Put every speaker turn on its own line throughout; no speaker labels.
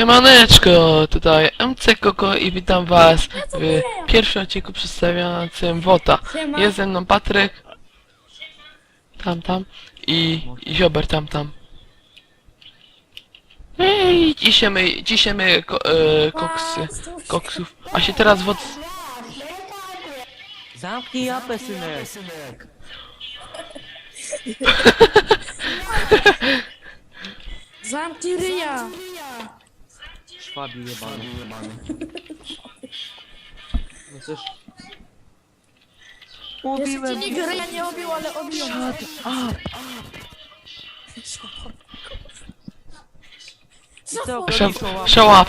Siemaneczko, tutaj MC Koko i witam was w pierwszym odcinku przedstawiającym WOTA.
Siema.
Jest ze mną Patryk, tam i Ziober, tam. Ej, ciśniemy koksów, a się teraz WOT...
Zamknij japę, synek!
Zamknij ryja!
Szwabi jebany. No cóż...
Jeszcze ci
Mówiłem...
nikt ryja nie obił, ale obił mnie.
Co?
Szałap.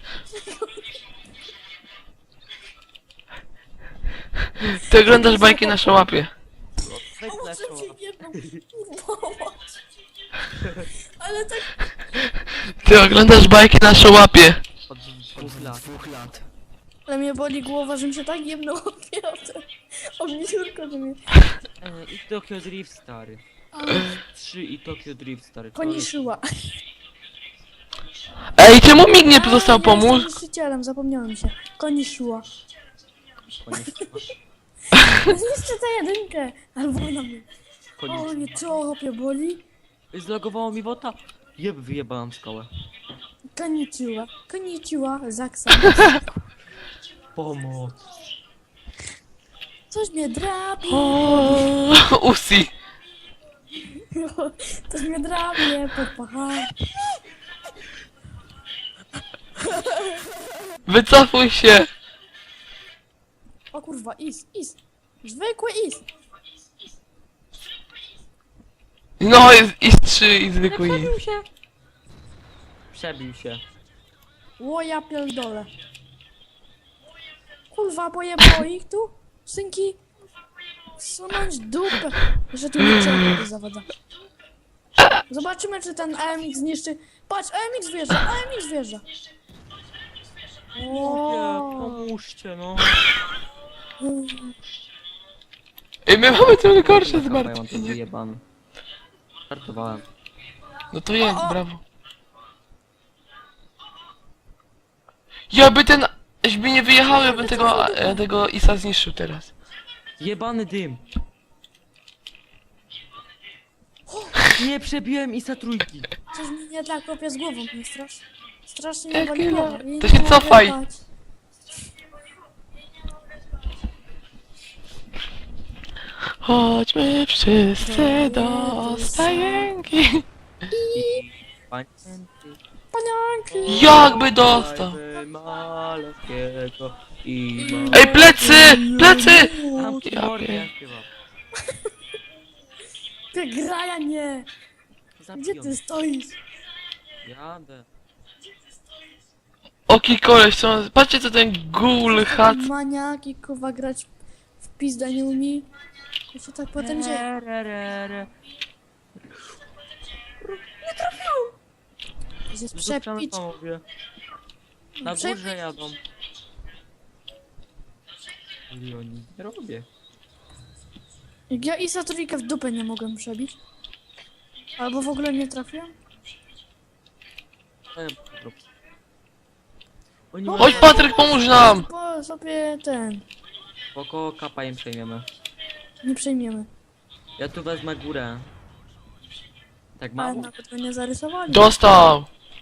Ty oglądasz bajki na szałapie.
Może ci jedną pomoc. Ale tak...
Ty oglądasz bajki na szałapie.
Od 2 lat.
Ale mnie boli głowa, że mi się tak jedno ogniurko, że mnie...
I Tokyo Drift, stary. 3 i Tokyo Drift, stary.
Koniszyła.
Ej, czemu mi nie został
Ja
pomóc?
jestem niszczycielem, zapomniałem się. Koniszyła.
Koniszyła.
Zniszczę tę jedynkę! Albo na mnie. O
Koniszyła.
nie, co chłopie boli?
Zlogowało mi wota. Wyjebałam szkołę.
Konnichiwa, Zaksa.
Pomoc.
Coś mnie drapie.
Usi.
Coś mnie drapie, podpacham.
Wycofuj się.
O kurwa, is. Zwykły is.
No, jest 3 i zwykły i.
Przebił się.
Ło, ja pierdolę. Kurwa, pojebało ich tu? Synki? Sunąć dupę. Że tu niczego nie zawada. Zobaczymy, czy ten AMX zniszczy. Patrz, AMX wjeżdża.
Pomóżcie, no.
Ej, my mamy trochę gorsze
Ja mam to
zmartwienie.
wyjebane. Startowałem.
No to jest, brawo. Ja by nie wyjechał, ja bym tego Isa zniszczył teraz.
Jebany dym. Nie przebiłem Isa trójki.
Coś mi nie tak kopie z głową, mnie strasznie mnie boli
Jakie
głowa.
no?
I
To
nie
się
mogę
cofaj.
spać.
Chodźmy wszyscy do stajenki.
Pamięty.
Panianki!
Jakby dostał.
Malowskiego i
Ej, plecy! Plecy!
Zamknij
Ja
mordę,
pier-
ja śpiewam.
Ty graja nie! Gdzie ty stoisz?
Jadę.
Oki koleś, patrzcie co ten ghoul hat.
Maniaki, kurwa, grać w pizdę nie umie. To się tak potem dzieje. Jest przepić.
Mówię. Na
Przepić.
górze jadą. I oni nie robię.
Jak ja Isa trójkę w dupę nie mogłem przebić. Albo w ogóle nie trafiłem.
Oni
Chodź Patryk, pomóż nam!
Bo sobie ten.
Spoko, kapa im przejmiemy.
Nie przejmiemy.
Ja tu wezmę górę. Tak
Ale
mało.
nawet go nie zarysowali.
Dostał!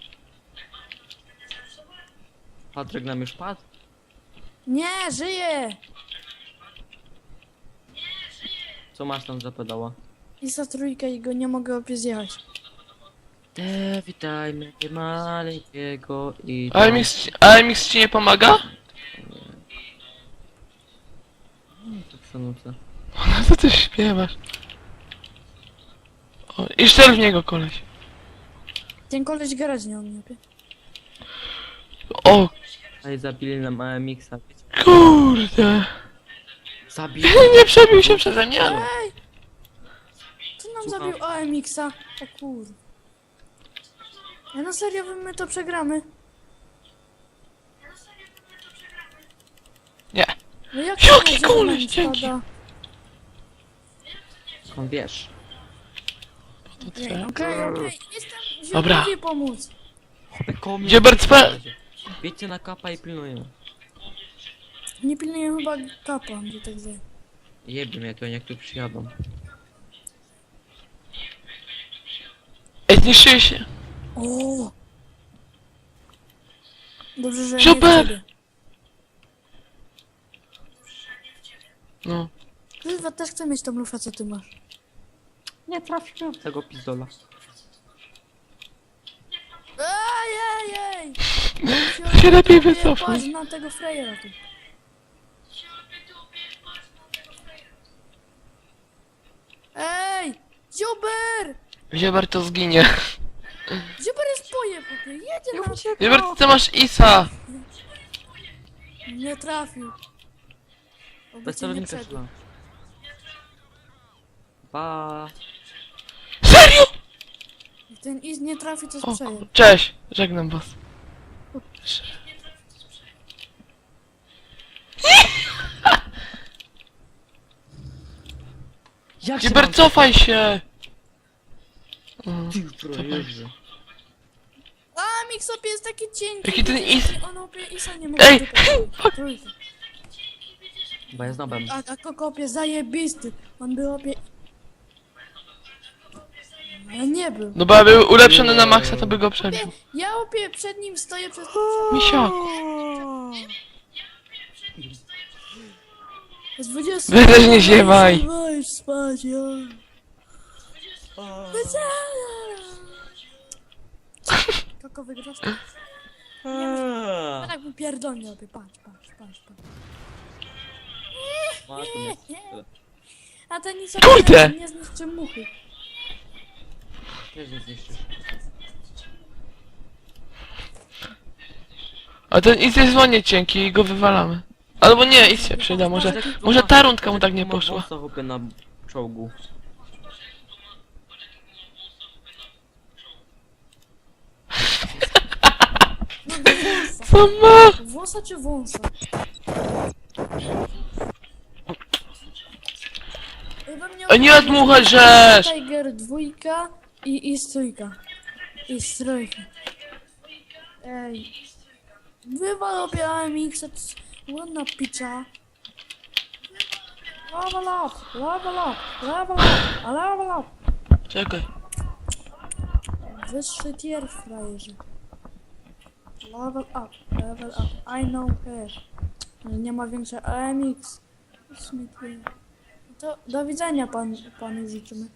Patryk nam już padł?
Nie, żyje!
Co masz tam za pedała?
Isa trójkę i go nie mogę opie zjechać.
Witajmy maleńkiego i...
AMX ci nie pomaga?
To przenucę.
No co ty śpiewasz? O, i strzel w niego koleś.
Ten koleś grać nie umie. opie.
O
Ej, zabili nam AMX-a.
kurde.
Zabili.
Nie przebił się przeze mnie. ale-
Ej! Co nam
Słucham.
zabił AMX-a? O kur... Ja na serio, my to przegramy.
Nie.
No jak
Jaki
to, że
koleś,
nam
dzięki.
spada?
On wiesz.
To
Okej,
co?
okej. Jestem
Dobra.
zimnowi pomóc.
Koło mnie
Ziobert, spe...
Wiecie na kapa i pilnuję.
Nie pilnuję chyba kapa, że tak zje.
Jebie mnie to, jak tu przyjadą.
Ej, zniszczyli się.
O! Dobrze, że
Super!
nie w ciebie.
No.
Chyba też chcę mieć tą lufę, co ty masz.
Nie trafiłem w tego pizdola.
Ej!
Się lepiej wycofuj.
Patrz na tego frejera tu. Ej! Ziober!
Ziobert to zginie.
Ziober jest pojeb, jedzie na...
Ziobert, ty masz Isa.
Nie trafił. Oby
Bez
cię nie
celownika
przebił.
szła. Pa.
Serio?
Ten Iz nie trafi, to
O,
sprzeje.
cześć, żegnam was.
Jak się
Ziobert, cofaj się.
Ty frajerze.
A, Mixop jest taki cienki.
Jaki ten Is...
On opie Isa nie mógł
Ej!
wykonać. Trójkę.
Bo ja znałem.
A kokopie zajebisty. On był opie... Ale nie był.
No bo ja był ulepszony na maksa, to by go przebił.
Ja opie przed nim stoję przez...
Misiak.
Z 20...
Wy też nie ziewaj.
Weź spać, ja. Koko wygrasz? Tak mu pierdolnie opie. Patrz. A ten nic
Kurde!
nie zniszczy muchy.
Też nie zniszczysz.
A ten Is jest ładnie cienki i go wywalamy. Albo nie, Is się przyda, może ta rundka mu tak nie poszła.
Co chłopie na czołgu.
No wąsa.
Co ma?
Wąsa czy wąsa?
A nie odmuchaj, żeż!
Tiger 2 i trójka. I trójka. Ej. Wywal obie AMX, ładna pizza. Level up.
Czekaj.
Wyższy tier, frajerze. Level up. I know her. Nie ma większej AMX. To do widzenia panu życzymy.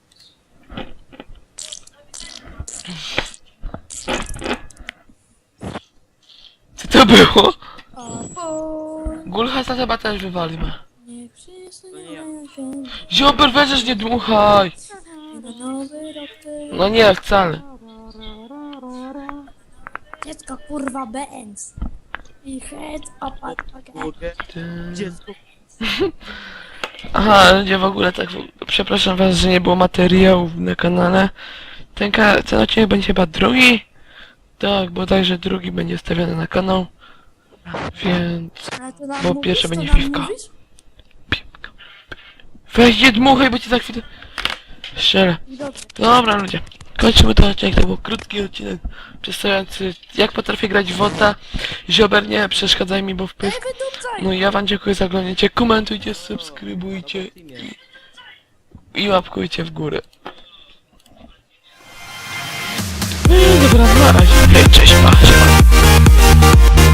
Co to było?
A po...
Gulhasa chyba też wywalimy.
Niech wszyscy
To nie ja.
mają się.
Ziober, weź nie dmuchaj!
I na nowy rok ty.
No nie, wcale.
Dziecko kurwa Benz. I head up at
Mogę?
Ty...
Dziecko.
Aha, ludzie w ogóle tak... Przepraszam was, że nie było materiałów na kanale. Ten odcinek będzie chyba drugi? Tak, bodajże drugi będzie stawiany na kanał. Więc...
Ale to nam
Bo
mówisz,
pierwsze
to
będzie
nam
piwka.
mówisz?
Weź nie dmuchaj, bo ci za chwilę... Strzelę.
Dobrze.
Dobra ludzie, kończymy ten odcinek, to był krótki odcinek przedstawiający jak potrafię grać w WOTA. Ziober, nie przeszkadzaj mi, bo wpysk.
Wydupcaj!
No i ja wam dziękuję za oglądanie, komentujcie, subskrybujcie i łapkujcie w górę. No i dobra, na razie. Hej, cześć, pa, siema.